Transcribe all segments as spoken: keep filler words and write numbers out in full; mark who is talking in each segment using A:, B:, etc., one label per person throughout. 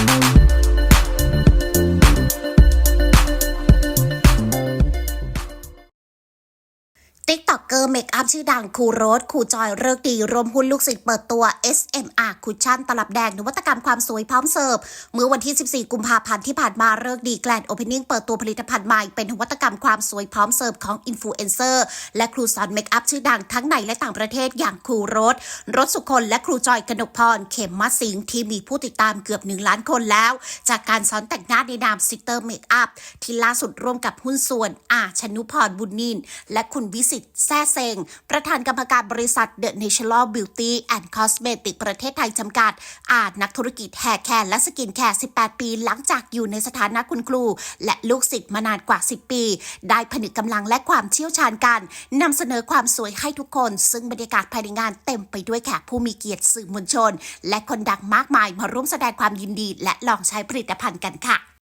A: ติ๊กต็อกเกอร์เมคอัพชื่อดังครูโรสครูจอยเลิกดีรวมหุ้นลูกศิษย์เปิดตัว เอส เอ็ม อาร์ คุชชั่นตลับแดงนวัตกรรมความสวยพร้อมเสิร์ฟเมื่อวันที่ สิบสี่ กุมภาพันธ์ที่ผ่านมาเลิกดีแกรนด์โอเพนนิ่งเปิดตัวผลิตภัณฑ์ใหม่เป็นนวัตกรรมความสวยพร้อมเสิร์ฟของอินฟลูเอนเซอร์และครูสอนเมคอัพชื่อดังทั้งในและต่างประเทศอย่างครูโรสรสสุคนและครูจอยกนกพรเขมมัสิงห์ที่มีผู้ติดตามเกือบหนึ่งล้านคนแล้วจากการสอนแต่งหน้าในนามซิสเตอร์เมคอัพที่ล่าสุดร่วมกับหุ้นส่วนอาชนุพรบุญนินและคุณวิสิตแซ่เซงประธานกรรมการบริษัท The Natural Beauty and Cosmetics ประเทศไทยจำกัดอาจนักธุรกิจแฮร์แคร์และสกินแคร์ สิบแปด ปีหลังจากอยู่ในสถานะคุณครูและลูกศิษย์มานานกว่า สิบ ปี ได้ผนึกกำลังและความเชี่ยวชาญกันนำเสนอความสวยให้ทุกคนซึ่งบรรยากาศภายในงานเต็มไปด้วยแขกผู้มีเกียรติสื่อมวลชนและคนดังมากมายมาร่วมแสดงความยินดีและลองใช้ผลิตภัณฑ์กันค่ะ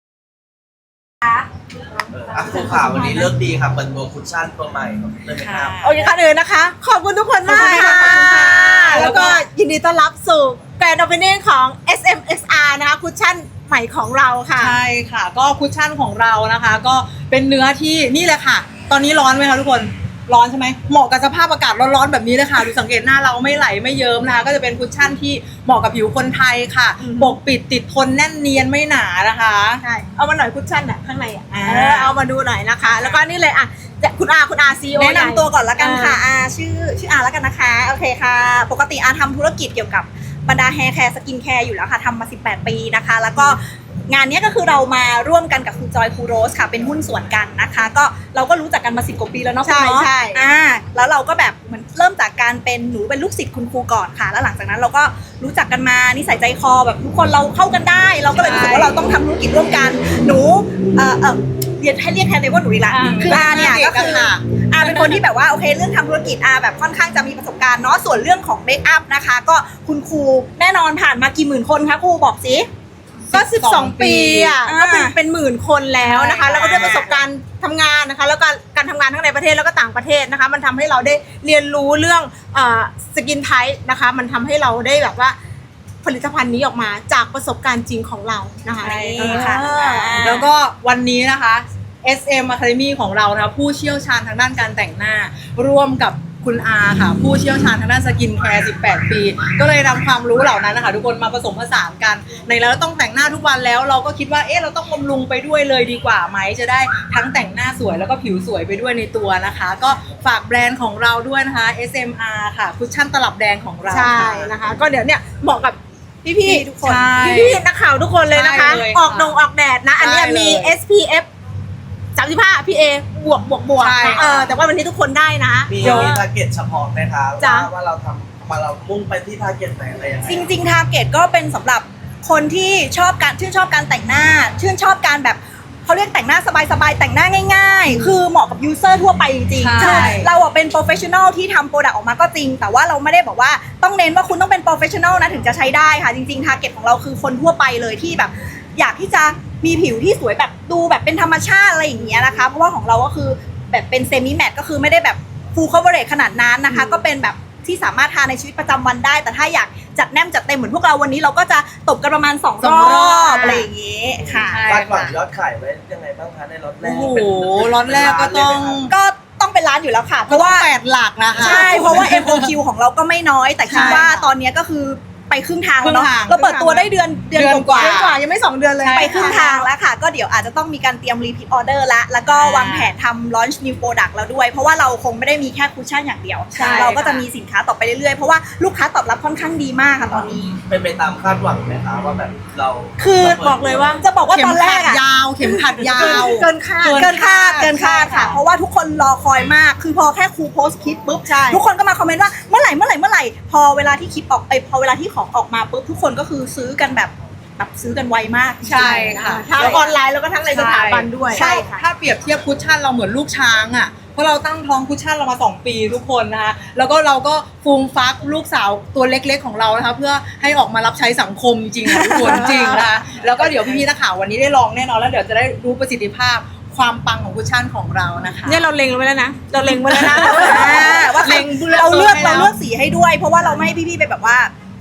B: อ่ะครูขาวันนี้เลิกดีครับเปิดตัวคุชชั่นตัวใหม่เลยไหมครับ
C: โอเคค่ะเลยนะคะ ขอบคุณทุกคนมากค่ะแล้วก็ยินดีต้อนรับสู่แกรนด์โอเพนนิ่งของ เอส เอ็ม เอส อาร์ นะคะคุชชั่นใหม่ของเราค่ะ
D: ใช่ค่ะก็คุชชั่นของเรานะคะก็เป็นเนื้อที่นี่เลยค่ะตอนนี้ร้อนไหมคะทุกคนร้อนใช่ไหมเหมาะกับสภาพอากาศร้อนๆแบบนี้เลยค่ะดูสังเกตหน้าเราไม่ไหลไม่เยิ้มนะคะก็จะเป็นคุชชั่นที่เหมาะกับผิวคนไทยค่ะปกปิดติดทนแน่นเนียนไม่หนานะคะ
C: ใช่เอามาหน่อยคุชชั่นอ่ะข้างในอ่ะเอามาดูหน่อยนะคะแล้วก็นี่เลยอ่ะคุณอาคุณอาซีโอ
E: แนะนำตัวก่อนละกันค่ะอาชื่อชื่ออาละกันนะคะโอเคค่ะปกติอาทำธุรกิจเกี่ยวกับบรรดาแฮร์แคร์สกินแคร์อยู่แล้วค่ะทำมาสิบแปดปีนะคะแล้วก็งานนี้ก็คือเรามาร่วมกันกับครูจอยครูโรสค่ะเป็นหุ้นส่วนกันนะคะก็เราก็รู้จักกันมาสิบกว่าปีแล้วเนาะคุณเนาะอ่าแล้วเราก็แบบเหมือนเริ่มจากการเป็นหนูเป็นลูกศิษย์คุณครูก่อนค่ะแล้วหลังจากนั้นเราก็รู้จักกันมานิสัยใจคอแบบทุกคนเราเข้ากันได้เราก็เลยรู้สึกว่าเราต้องทำธุรกิจร่วมกันหนูเอ่อเอ่อเรียนให้เรียกแทนเลยว่าหนูอีกละคืออาเนี่ยก็คืออาเป็นคนที่แบบว่าโอเคเรื่องทำธุรกิจอาแบบค่อนข้างจะมีประสบการณ์เนาะส่วนเรื่องของเมคอัพนะคะก็คุณครูแน่นอนผ่านมากี่หมื่นคนคะครูบอกสิ
C: ก็สิบสองปีอ่ะก็เป็นเป็นหมื่นคนแล้วนะคะแล้วก็ด้วยประสบการณ์ทำงานนะคะแล้วก็การทำงานทั้งในประเทศแล้วก็ต่างประเทศนะคะมันทำให้เราได้เรียนรู้เรื่องสกินไทป์นะคะมันทำให้เราได้แบบว่าผลิตภัณฑ์นี้ออกมาจากประสบการณ์จริงของเรานะคะ
D: ค่ะแล้วก็วันนี้นะคะ เอส เอ็ม Academy ของเรานะคะผู้เชี่ยวชาญทางด้านการแต่งหน้าร่วมกับคุณอาค่ะผู้เชี่ยวชาญทางด้านสกินแคร์สิบแปดปีก็เลยนำความรู้เหล่านั้นนะคะทุกคนมาผสมผสานกันในแล้วต้องแต่งหน้าทุกวันแล้วเราก็คิดว่าเอ๊ะเราต้องบำรุงไปด้วยเลยดีกว่าไหมจะได้ทั้งแต่งหน้าสวยแล้วก็ผิวสวยไปด้วยในตัวนะคะก็ฝากแบรนด์ของเราด้วยนะคะ เอส เอ็ม อาร์ ค่ะคุชชั่นตลับแดงของเรา
C: ใช่นะคะก็เดี๋ยวเนี่ยเหมาะกับพี่ๆทุกคนพี่ๆนักข่าวทุกคนเลยนะคะออกดงออกแดดนะอันนี้มี เอส พี เอฟสามสิบห้า พี เอ บวกบวกบวกเออแต่ว่าวันนี้ทุกคนได้นะ
B: มีมีทาร์เก็ตเฉพาะไหมคะว่าเราทำมาเรามุ่งไปที่ทาร์เก็ตไหนอะไรยังไง
E: จริงๆทาร์เก็ตก็เป็นสำหรับคนที่ชอบการชื่นชอบการแต่งหน้าชื่นชอบการแบบเขาเรียกแต่งหน้าสบายๆแต่งหน้าง่ายๆคือเหมาะกับยูเซอร์ทั่วไปจริงๆใช่เราอ่ะเป็นโปรเฟชชั่นอลที่ทำโปรดักต์ออกมาก็จริงแต่ว่าเราไม่ได้บอกว่าต้องเน้นว่าคุณต้องเป็นโปรเฟชชั่นอลนะถึงจะใช้ได้ค่ะจริงๆทาร์เก็ตของเราคือคนทั่วไปเลยที่แบบอยากที่จะมีผิวที่สวยแบบดูแบบเป็นธรรมชาติอะไรอย่างเงี้ยนะคะเพราะว่าของเราก็คือแบบเป็นเซมิแมตก็คือไม่ได้แบบฟูลคัฟเวอร์เรจขนาดนั้นนะคะก็เป็นแบบที่สามารถทาในชีวิตประจำวันได้แต่ถ้าอยากจัดแนมจัดเต็มเหมือนพวกเราวันนี้เราก็จะตบกันประมาณสองรอบอะไรอย่างเงี้ยค่ะ
B: คาดหวังยอดขายไว้ยังไงบ้างคะในล็อตแรก
D: โอ้โหล็อตแรกก็ต้อง
E: ก็ต้องเป็นร้านอยู่แล้วค่ะเพราะว่า
D: แปดหลักนะคะ
E: ใช่เพราะว่า เอ็ม โอ คิว ของเราก็ไม่น้อยแต่คิดว่าตอนนี้ก็คือไปครึ่งทางแล้วเนาะเราเปิดตัวได้เดือนเดือนกว่า
C: เดือนกว่ายังไม่สองเดือนเลย
E: ไปครึ่งทางแล้วค่ะก็เดี๋ยวอาจจะต้องมีการเตรียม repeat order ละแล้วก็วางแผนทำ launch new product แล้วด้วยเพราะว่าเราคงไม่ได้มีแค่คุชชั่นอย่างเดียวเราก็จะมีสินค้าต่อไปเรื่อยๆเพราะว่าลูกค้าตอบรับค่อนข้างดีมากค่ะตอนนี้
B: เป็นไปตามคาดหวังไหมคะว่าแบบเรา
E: คือบอกเลยว่าจะบอกว่าตอนแรกอะ
D: ยาวเข็มขัดยาว
C: เกินคาด
E: เกินคาดเกินคาดค่ะเพราะว่าทุกคนรอคอยมากคือพอแค่ครูโพสต์คลิปปุ๊บทุกคนก็มาคอมเมนต์ว่าเมื่อไหร่เมื่อไหร่เมื่อไหร่พอเวลาที่คลิปออกไปพอเวลาที่ของออกมาปุ๊บทุกคนก็คือซื้อกันแบบแบบซื้อกันไวมาก
D: ใช่ค่ะ
C: ทั้งออนไลน์แล้วก็ทั้งในสถาบันด้วย
D: ใช่ค่ะถ้าเปรียบเทียบคุชชั่นเราเหมือนลูกช้างอ่ะเพราะเราตั้งท้องคุชชั่นเรามาสองปีทุกคนนะคะแล้วก็เราก็ฟูมฟักลูกสาวตัวเล็กๆของเรานะคะเพื่อให้ออกมารับใช้สังคมจริงๆทุกคนจริงนะคะแล้วก็เดี๋ยวพี่ๆนักข่าววันนี้ได้ลองแน่นอนแล้วเดี๋ยวจะได้รู้ประสิทธิภาพความปังของคุชชั่นของเรานะคะ
C: เนี่ยเราเล็งไว้แล้วนะเราเล็งไว้แล้วนะ
E: ว่าเล็งเราเลือกเราเลือกสีให้ด้วยเพราะว่าเราไม่ให้พี่ๆไปแบบว่า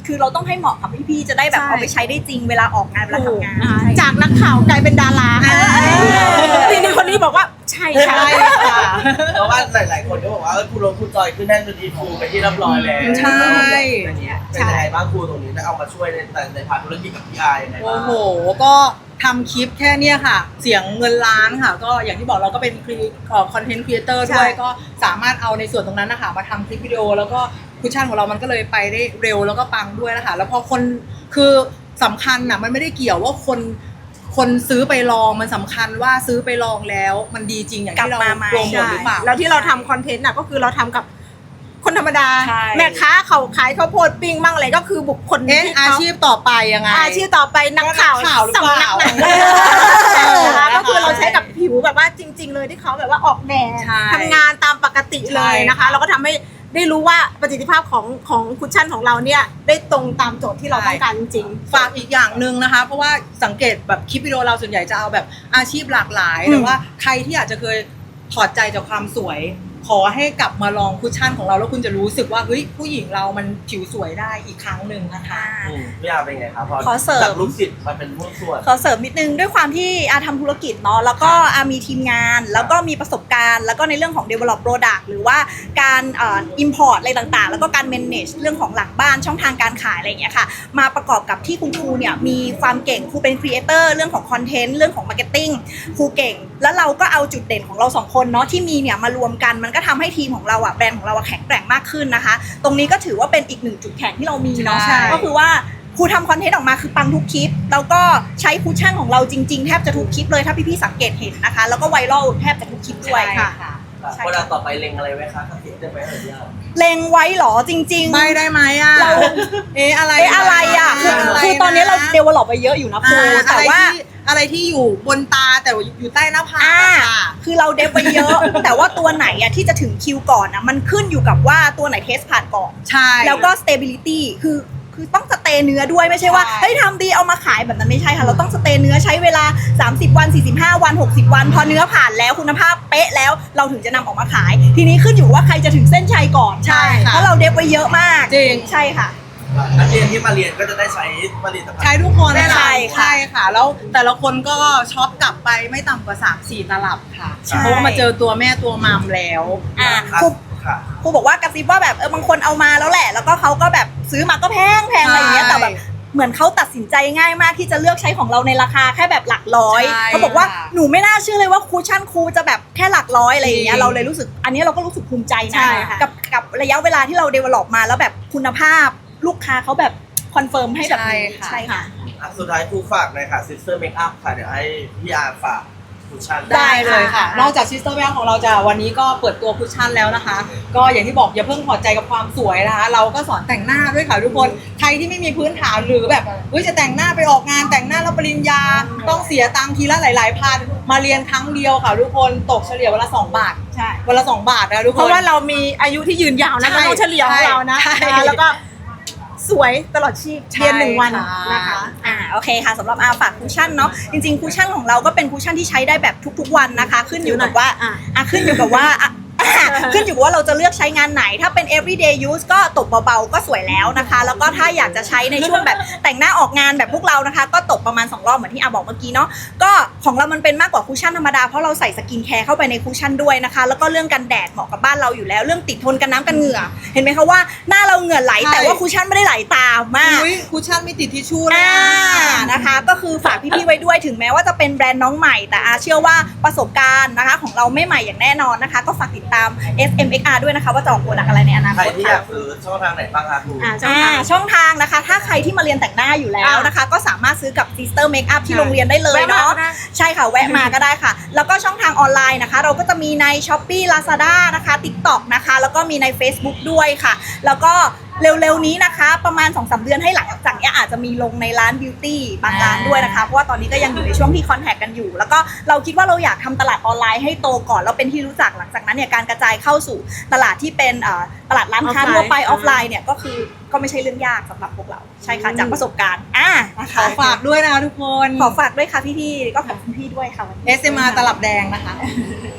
E: คือเราต้องให้เหมาะกับพี่ๆจะได้แบบ
C: ใช่
E: เอาไปใช้ได้จริงเวลาออกงานเวลาทำงาน
C: นะคะ
E: ใช่
C: จากนักข่าวกลายเป็นดารา
D: อ่า
C: ทีนี้คนนี้บอกว่าใช่ค่ะ
D: ใช่ค่ะ
B: เพราะว่าหลายๆคนก็บอกว่าเออครูลงครูจอยขึ้นแท่นเป็นอีฟูไปที่เรียบร้อยแล้ว
D: ใช่
B: เป็นยังไงบ้างครูตรงนี้ได้เอามาช่วยในแต่ในพาร์ทธุรกิจกับพี่อายยังไงบ้า
D: โอ้
B: ง
D: โห ก็ทำคลิปแค่เนี้ยค่ะ เสียงเงินล้านค่ะ ก็อย่างที่บอกเราก็เป็นคอนเทนต์ครีเอเตอร์ด้วย
C: ใช่
D: ก็สามารถเอาในส่วนตรงนั้นนะคะมาทำคลิปวิดีโอ แล้วก็คุชชั่นของเรามันก็เลยไปได้เร็วแล้วก็ปังด้วยนะคะ แล้วพอคนคือสำคัญน่ะมันไม่ได้เกี่ยวว่าคนคนซื้อไปลองมันสำคัญว่าซื้อไปลองแล้วมันดีจริงอย่างที่เรา
E: กลับมาไหม
D: โปรโมทหรือเปล่า
C: แล้วที่เราทำคอนเทนต์น่ะก็คือเราทำกับคนธรรมดา
D: ใช่
C: แม่ค้าเขาขายข้าวโพดปิ้งบ้างอะไรก็คือบุคคล
D: เอ๊ะ
C: ที่
D: อา
C: เขา
D: ชีพต่อไปยังไง
C: อาชีพต่อไปนักข่าว
D: นักข่าวหรือเปล่า
C: สำนักหนัง
D: เออ
C: นะคะก็คือเราใช้กับผิวแบบว่าจริง ๆ เลยที่เขาแบบว่าออกแดด
D: ใช่
C: ทำงานตามปกติเลยนะคะ
D: ใช่ค่ะ
C: เราก็ทำให้ได้รู้ว่าประสิทธิภาพของของคุชชั่นของเราเนี่ยได้ตรงตามโจทย์ที่เราต้องการจริงๆ
D: ฝากอีกอย่างหนึ่งนะคะ เพราะว่าสังเกตแบบคลิปวิดีโอเราส่วนใหญ่จะเอาแบบอาชีพหลากหลายหรือว่าใครที่อาจจะเคยถอดใจจากความสวย ขอให้กลับมาลองคุชชั่นของเราแล้วคุณจะรู้สึกว่าเฮ้ยผู้หญิงเรามันผิวสวยได้อีกครั้งหนึ่งนะคะ
B: อืมพี่อาเป็นไงครับพอ
E: ขอเสริม
B: จากลูกศิษย์มาเป็นผู้ส่วน
E: ขอเสริมนิดนึงด้วยความที่อาทำธุรกิจเนาะแล้วก็อามีทีมงาน แล้วก็มีประสบการณ์ แล้วก็ในเรื่องของ develop product หรือว่าการเอ่อ import อะไรต่างๆ แล้วก็การ manage เรื่องของหลังบ้านช่องทางการขายอะไรอย่างเงี้ยค่ะมาประกอบกับที่คุณครูเนี่ยมีความเก่งครูเป็น creator เรื่องของ content เรื่องของ marketing ครูเก่ง แล้วเราก็เอาจุดเด่นของเราสองคนเนาะที่มีเนี่ยมารวมกันมันก็ทำให้ทีมของเราอะแบรนด์ของเราอะแข็งแกร่งมากขึ้นนะคะ ตรงนี้ก็ถือว่าเป็นอีกหนึ่งจุดแข็งที่เรามีเนาะ
D: ใช่
E: ก็คือว่าครูทำคอนเทนต์ออกมาคือปังทุกคลิป แล้วก็ใช้คุชชั่นของเราจริงๆ แทบจะทุกคลิปเลยถ้าพี่ๆสังเกตเห็นนะคะ แล้วก็ไวรัลแทบจะทุกคลิปด้วยค่ะ ใช่
B: เวลาต่อไปเล็งอะไรไว้คะคิดได้ไหมเอ่ยพี่อา
E: เล็งไว้เหรอจริงๆ
D: ไม่ได้ไหมอ่ะ
E: เรา
D: เอ๊ะอะไร
E: เอ๊ะอะไรอ่ะคือ
D: อะไร
E: คือตอนนี้เราเดเวลลอปไปเยอะอยู่นะครู
D: อ่า
E: แต่
D: อะไร
E: ว่า
D: ที่อะไรที่อยู่บนตาแต่ว่าอยู่ใต้หน้าผาก
E: อ่า
D: อะค่ะ
E: คือเราเดฟไปเยอะ แต่ว่าตัวไหนอะที่จะถึงคิวก่อนอะมันขึ้นอยู่กับว่าตัวไหนเทสผ่านก่อน
D: ใช่
E: แล้วก็ stability คือคือต้องสเตย์เนื้อด้วยไม่ใช่ว่า
D: ใช่
E: เฮ้ยทำดีเอามาขายแบบนั้นไม่ใช่ค่ะเราต้องสเตย์เนื้อใช้เวลาสามสิบวันสี่สิบห้าวันหกสิบวัน พอเนื้อผ่านแล้วคุณภาพเป๊ะแล้วเราถึงจะนำออกมาขาย ทีนี้ขึ้นอยู่ว่าใครจะถึงเส้นชัยก่อน
D: ใช่ค่ะ
E: เพราะเราเดฟไว้เยอะมาก
D: จริง
E: ใช่ค่ะ
B: นักเรียนที่มาเรียนก็จะได้ใช้ผลิตภัณฑ์
D: ใช้ทุกคน
E: ใช่ค่ะ
D: ใช่ค่ะ แล้วแต่ละคนก็ช็อปกลับไปไม่ต่ำกว่าสามสี่ตลับค่ะ
E: ใช่
D: เพราะว่ามาเจอตัวแม่ตัวมามแล้ว
E: อ่า
B: ครับ
E: ครู
B: ค่ะ
E: ครูบอกว่ากระซิบว่าแบบเออบางคนเอามาแล้วแหละ แล้วก็เขาก็แบบซื้อมาก็แพงแพงอะไรอย่างเงี้ย
D: ใช่
E: แต่แบบเหมือนเขาตัดสินใจง่ายมากที่จะเลือกใช้ของเราในราคาแค่แบบหลักร้อย
D: ใช่
E: เขาบอกว่า
D: ค่ะ
E: หนูไม่น่าเชื่อเลยว่าคูชั่นครูจะแบบแค่หลักร้อยอะไรอย่างเงี้
D: จ
E: ย
D: ริง
E: เราเลยรู้สึกอันนี้เราก็รู้สึกภูมิใจ
C: ใช่
E: นะ
C: ค่ะ
E: กับกับระยะเวลาที่เราเดเวลลอปมาแล้วแบบคุณภาพลูกค้าเขาแบบคอนเฟิร์มให้แบบนี้
D: ใช่ค่ะ
E: ใช่ค่ะ
B: อ่ะสุดท้ายครูฝากหน่อยค่ะ Sister Makeup ค่ะ เดี๋ยวให้พี่อาฝากคุชชั่น
E: ได้
D: ได้เลยค่ะ
E: ค่ะ
D: นอกจากซิสเตอร์แบงของเราจะวันนี้ก็เปิดตัวคุชชั่นแล้วนะคะ ก็อย่างที่บอกอย่าเพิ่งพอใจกับความสวยนะคะ เราก็สอนแต่งหน้าด้วยค่ะทุกคน ใครที่ไม่มีพื้นฐานหรือแบบเฮ้ยจะแต่งหน้าไปออกงานแต่งหน้าแล้วปริญญา ต้องเสียตังค์ทีละหลาย ๆ พัน มาเรียนครั้งเดียวค่ะทุกคนตกเฉลี่ยวันละสองบาท
E: ใช่
D: วันละสองบาทนะทุกคน
C: เพราะว่าเรามีอายุที่ยืนยาวนะ
D: ใช่
C: เราต้องเฉลี่ยของเรานะ
D: ใช่
C: นะคะแล้วก็สวยตลอดชีพ
D: ใช่
C: เรียนหนึ่งวัน
D: ค่ะ
C: นะคะ
E: อ่าโอเคค่ะสำหรับอาฝากคุชชั่นเนาะจริงๆคุชชั่นของเราก็เป็นคุชชั่นที่ใช้ได้แบบทุกๆวันนะคะ ขึ้นอยู่กับว่า
C: อ่ะ
E: อ่ะขึ้นอยู่กับว่าอ่ะ ขึ้นอยู่กับว่าเราจะเลือกใช้งานไหน ถ้าเป็น everyday use ก็ตบเบาๆก็สวยแล้วนะคะ แล้วก็ถ้าอยากจะใช้ในช่วงแบบแต่งหน้าออกงานแบบพวกเรานะคะ ก็ตบประมาณสองรอบเหมือนที่อาบอกเมื่อกี้เนาะก็ของเรามันเป็นมากกว่าคุชชั่นธรรมดาเพราะเราใส่สกินแคร์เข้าไปในคุชชั่นด้วยนะคะแล้วก็เรื่องกันแดดเหมาะกับบ้านเราอยู่แล้วเรื่องติดทนกันน้ำกันเหงื่อ เห็นไหมคะว่าหน้าเราเหงื่อไหล
D: ใช่
E: แต่ว่าคุชชั่นไม่ได้ไหลตามมาก
D: อุ๊ยคุชชั่นมีติดทิชชู่เลย
E: อ่า
D: อะ
E: นะคะก็คือฝากพี่ๆไว้ด้วยถึงแม้ว่าจะเป็นแบรนด์น้องใหม่แต่อาเชื่อว่าประสบการณ์นะคะของเราไม่ใหม่อย่างแน่นอนนะคะ ก็ฝากติดตาม เอส เอ็ม เอ็กซ์ อาร์ ด้วยนะคะว่าจะออกโปรดักต์อะไรในอนา
B: ใคร
E: คต
B: ที่อยา
E: ค่ะ
B: กซื้อช่องทางไหนบ้างคะครู
C: อ่า
E: อ่าช่องทางนะคะ ถ้าใครที่มาเรียนแต่งหน้าอยู่แล้วนะคะ ก็สามารถซื้อกับ Sister Makeup ที่โรงเรียนได้เลย
C: แวะมา
E: เนาะ
C: ก็ได้
E: ใช่ค่ะแวะมาก็ได้ค่ะ แล้วก็ช่องทางออนไลน์นะคะ เราก็จะมีใน Shopee Lazada นะคะ TikTok นะคะแล้วก็มีใน Facebook ด้วยค่ะ แล้วก็เร็วๆนี้นะคะประมาณ สองถึงสาม เดือนให้หลังจากนี้อาจจะมีลงในร้านบิวตี้บางร้านด้วยนะคะเพราะว่าตอนนี้ก็ยังอยู่ในช่วงที่คอนแทคกันอยู่ แล้วก็เราคิดว่าเราอยากทำตลาดออนไลน์ให้โตก่อนแล้วเป็นที่รู้จักหลังจากนั้นเนี่ยการกระจายเข้าสู่ตลาดที่เป็นเอ่อตลาดร้านค้า
C: ออฟไลน์
E: ทั่วไปออฟไลน์เนี่ยก็คือก็ไม่ใช่เรื่องยากสำหรับพวกเราใช่ค่ะจากประสบการณ์อ่านะ
D: ข
E: คะ
D: อฝากด้วยนะคะทุกคน
E: ขอฝากด้วยค่ะพี่ๆก็ขอบคุณพี่ด้วยค่ะวันนี้
D: เอส เอ็ม อาร์ ตลับแดงนะคะ